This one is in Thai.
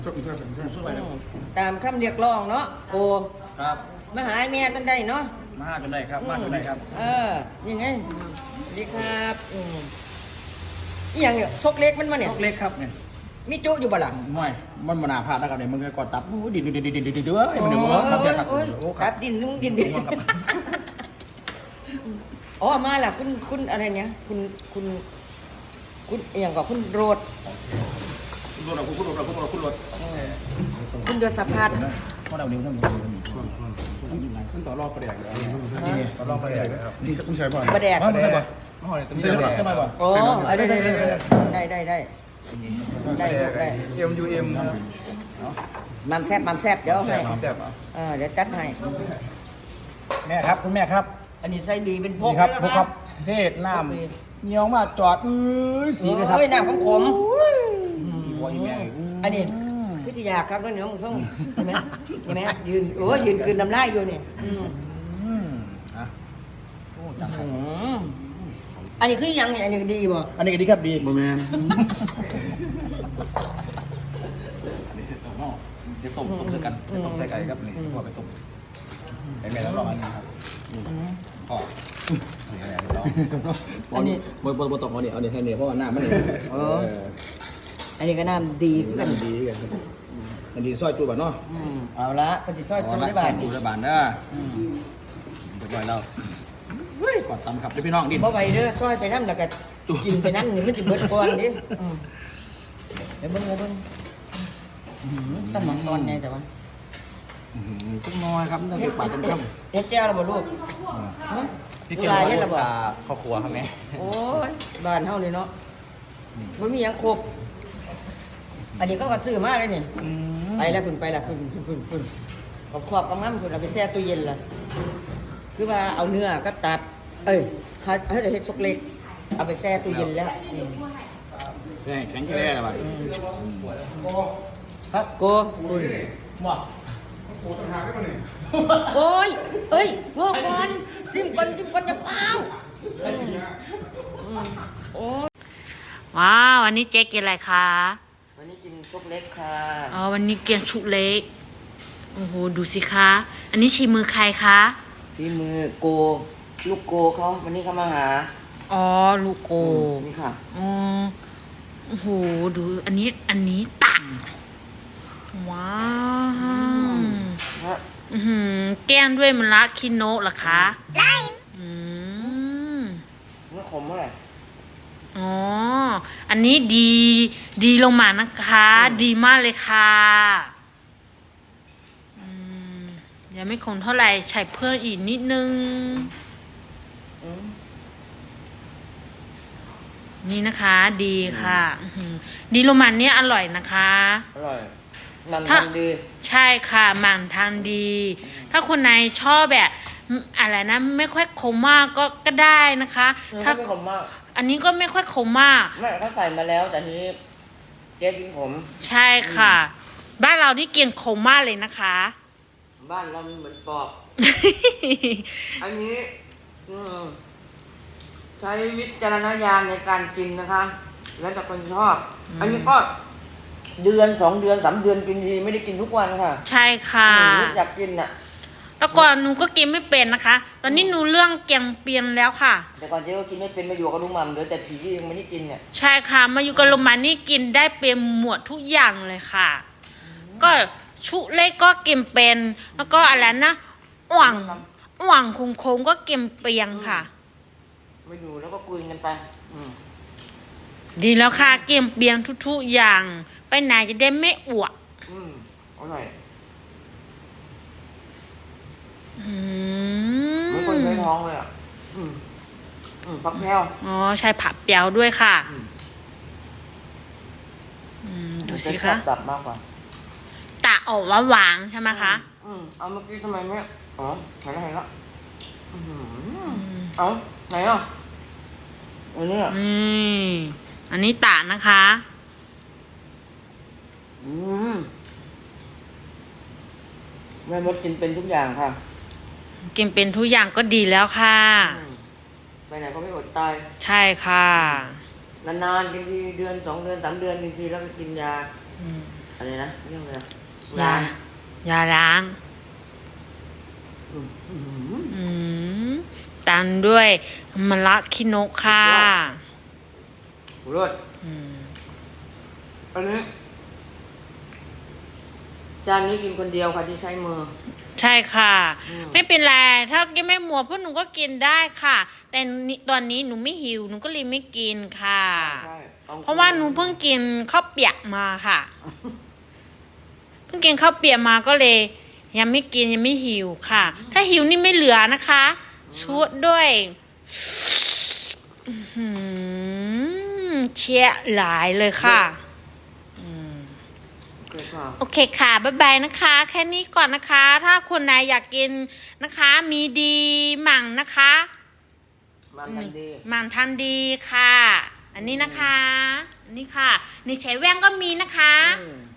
ตามคำเรียกร้องเนาะโกครับมาหาแม่ตั้งได้เนาะมาจนได้ครับมาจนได้ครับยังไงสวัสดีครับอีหยังเนี่ยซกเล็กมันมาเนี่ยซกเล็กครับเนี่ยมีจุอยู่บ่ล่ะไม่มันมนาพลาดนะครับเนี่ยมันกอดตับดินเด้อไอ้มันเนี่ยตับแก่ครับโอ้ครับดินนุ่งดินอ๋อมาล่ะคุณอะไรเนี่ยคุณอย่างกับคุณโรดคุณรถคุณเดือนสะพัดเพราะเราเลี้ยงทั้งหมดมันต่อรอบประเดี๋ยวต่อรอบประเดี๋ยวครับนี่คุณใช้บ่อยประเดี๋ยวใช่บ่อยใช่บ่อยใช่บ่อยโอ้ได้ MUM มัมแซบเดี๋ยวให้เดี๋ยวจัดให้แม่ครับคุณแม่ครับอันนี้ใส่ดีเป็นพกครับพกครับเทศน้ำเงี้ยวมาจอดสีเลยครับน้ำของผมอันนี้พิทยาครับแล้วเหนียวมึงส่งเห็นไหมยืนคืนน้ำลายอยู่เนี่ยอันนี้คือยังเนี่ยอันนี้ดีบ่อันนี้ก็ดีครับดีบ่แม่นเดี๋ยวต้มด้วยกันต้มใส่ไก่ครับนี่พ่อไปต้มไอ้แม่แล้วรออันนี้ครับพ่ออันนี้บนตกเอาเนี่ยแทนเนี่ยเพราะว่าน้ำมันเนี่ยอันนี้ก็น้ำดีกันอันนี้ซอยจูบเนาะเอาละเป็นสิซอยจูได้บาทจูได้บาทเด้อเรียบร้อยแล้วเฮ้ยกอดตำครับพี่น้องดิบ่ไหวเด้อซอยไปน้ำแล้วก็กินไปน้ำนี่มันจะเบิดก่อนดิเดี๋ยวเบิ่งต้องหมักตอนไงแต่ว่าต้องน้อยครับต้องเก็บปากต้องเฮ็ดแจ้วแล้วบ่ลูกที่เกี่ยวกับข้าวครัวครับแม่โอ้ยบ้านเฮาเลยเนาะบ่มีหยังครบอันนี้ก็ซื้อมาเลยนี่ไปแล้วคุณขอบกำมั่มคุณเอาไปแช่ตู้เย็นล่ะคือว่าเอาเนื้อก็ตับเขาจะเฮ็ดซกเล็กเอาไปแช่ตู้เย็นแล้วใช่แข็งแรงอะไรบ้างครับโกว่าโอ้ยพ่อก่อนซิมก่อนจะเปล่าโอ้ว้าววันนี้เจ๊กินอะไรคะวันนี้กินซกเล็กค่ะอ๋อวันนี้กินชุเล็กโอ้โหดูสิคะอันนี้ชีมือใครคะฝีมือโกลูกโกเขาวันนี้เขามาหาอ๋อลูกโกนี่ค่ะอ๋อโอ้โหดูอันนี้ตักว้าวแก้มด้วยมะระคิโนะเหรอคะได้ไม่ขมเท่าไหร่อ๋ออันนี้ดีลงมานะคะดีมากเลยค่ะยังไม่คงเท่าไหร่ใส่เพิ่มอีกนิดนึงนี่นะคะดีค่ะดีลงมาเนี่ยอร่อยนะคะอร่อยมันทานดีใช่ค่ะมันทานดีถ้าคนไหนชอบแบบอะไรนะไม่ค่อยขมมากก็ได้นะคะถ้าขมมากอันนี้ก็ไม่ค่อยขมมากไม่เขาใส่มาแล้วแต่ทีนี้เจ๊กินขมใช่ค่ะบ้านเรานี่เกี่ยงขมมากเลยนะคะบ้านเราเหมือนปอกอันนี้ใช้วิจารณญาณในการกินนะคะแล้วแต่คนชอบอันนี้ก็เดือน2 เดือน3 เดือนกินทีไม่ได้กินทุกวันค่ะใช่ค่ะอยากกินอ่ะแต่ก่อนหนูก็กินไม่เป็นนะคะตอนนี้หนูเรื่องเกี่ยงเปลี่ยนแล้วค่ะแต่ก่อนเจ๊ก็กินไม่เป็นมาอยู่กับลุงหม่ำเดี๋ยวแต่ผียังไม่ได้กินเนี่ยใช่ค่ะมาอยู่กับลุงหม่ำนี่กินได้เป็นหมวดทุกอย่างเลยค่ะก็ชุเล็กก็กินเป็นแล้วก็อะไรนะอ่วงคงก็กินเปียงค่ะมาอยู่แล้วก็คุยกันไปดีแล้วค่ะเกี่ยงเปียงทุกๆอย่างไปไหนจะได้ไม่อ้วกอร่อยไม่คนใช้ท้องเลยอ่ะผักแพรวอ๋อใช่ผักเปียวด้วยค่ะดูสิคะตับมากกว่าตาออกหวานใช่ไหมคะเอาเมื่อกี้ทำไมไม่อ๋อไหนแล้วเอาไหนอ่ะอันนี้อันนี้ตานะคะแม่มดกินเป็นทุกอย่างค่ะกินเป็นทุกอย่างก็ดีแล้วค่ะไปไหนก็ไม่อดตายใช่ค่ะนานๆกินทีเดือน2 เดือน3 เดือนกินทีแล้วก็กินยาอะไรนะเรื่องอะไรนะยา ยาล้างอืมอืมตามด้วยมะระคิโนะค่ะรสอืมอันนี้จานนี้กินคนเดียวค่ะที่ใช้มือใช่ค่ะอืมไม่เป็นไร ถ้ากินไม่หมดพวกหนูก็กินได้ค่ะ แต่ตอนนี้หนูไม่หิว หนูก็เลยไม่กินค่ะใช่ต้องเพราะว่าหนูเพิ่งกินข้าวเปียกมาค่ะ เพิ่งกินข้าวเปียกมาก็เลย ยังไม่กินยังไม่หิวค่ะ ถ้าหิวนี่ไม่เหลือนะคะชุดด้วยอื้อหือเชี่ยหลายเลยค่ะโอเคค่ะโอเคค่ะ บ๊ายบายนะคะ แค่นี้ก่อนนะคะ ถ้าคนไหนอยากกินนะคะ มีดีหมั่งนะคะมันกันดีหมั่งทันดีค่ะ อันนี้นะคะ อันนี้ค่ะ นี่ใช้แว่งก็มีนะคะอืม